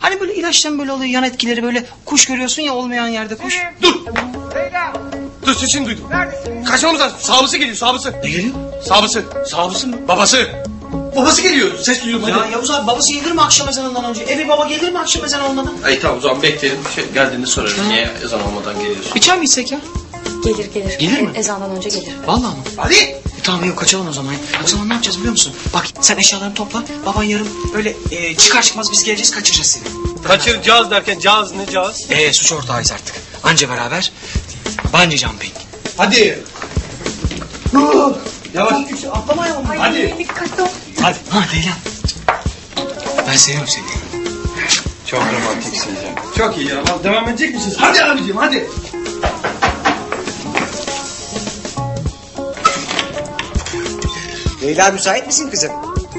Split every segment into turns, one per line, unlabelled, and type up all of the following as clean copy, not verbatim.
Hani böyle ilaçtan böyle oluyor yan etkileri, böyle kuş görüyorsun ya olmayan yerde kuş.
Dur. Dur, sesini duydum. Kaçmamız lazım. Sağbısı geliyor, sağbısı.
Ne geliyor?
Sağbısı. Sağbısı mı? Babası. Babası geliyor. Ses duyuyorum hadi.
Ya Yavuz abi, babası gelir mi akşam ezanından önce? Eve baba gelir mi akşam ezanı olmadan?
Ay tamam, o zaman bekleyelim. Geldiğinde sorarım. Niye ezan olmadan geliyorsun?
Bir çay mı içsek ya?
Gelir.
Gelir mi?
Ezandan önce gelir.
Vallahi mı?
Hadi.
Tamam yok, kaçalım o zaman. O zaman ne yapacağız biliyor musun? Bak sen eşyalarını topla. Baban yarın böyle çıkar çıkmaz biz geleceğiz, kaçıracağız seni.
Kaçıracağız derken cağız ne cağız?
Suç ortağıyız artık. Anca beraber bungee jumping.
Hadi. Yavaş.
Atlamayalım.
Hadi.
Dikkatli ol.
Hadi. Ha Leyla. Ben seviyorum seni.
Çok romantiksin ya. Çok iyi ya. Devam edecek misiniz? Hadi abicim hadi.
Leyla müsait misin kızım?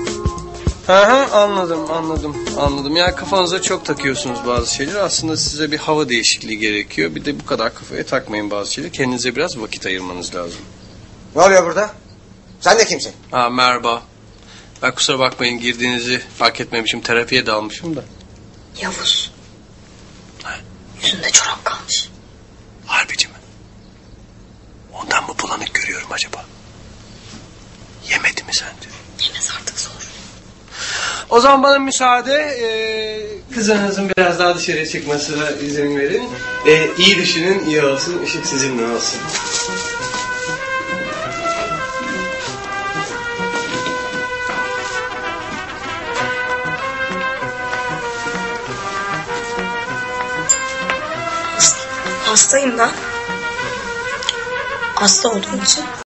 Anladım. Ya kafanıza çok takıyorsunuz bazı şeyler. Aslında size bir hava değişikliği gerekiyor. Bir de bu kadar kafaya takmayın bazı şeyleri. Kendinize biraz vakit ayırmanız lazım.
Ne oluyor burada? Sen de kimsin?
Merhaba. Ben kusura bakmayın, girdiğinizi fark etmemişim. Terapiye dalmışım da.
Yavuz. Yüzünde çorap kalmış.
Harbici mi? Ondan mı bulanık görüyorum acaba? Yemedi mi sence?
Yemez artık, zor.
O zaman bana müsaade. Kızınızın biraz daha dışarıya çıkmasına izin verin. İyi düşünün, iyi olsun. Işık sizinle olsun.
Hastayım ben. Hasta olduğum için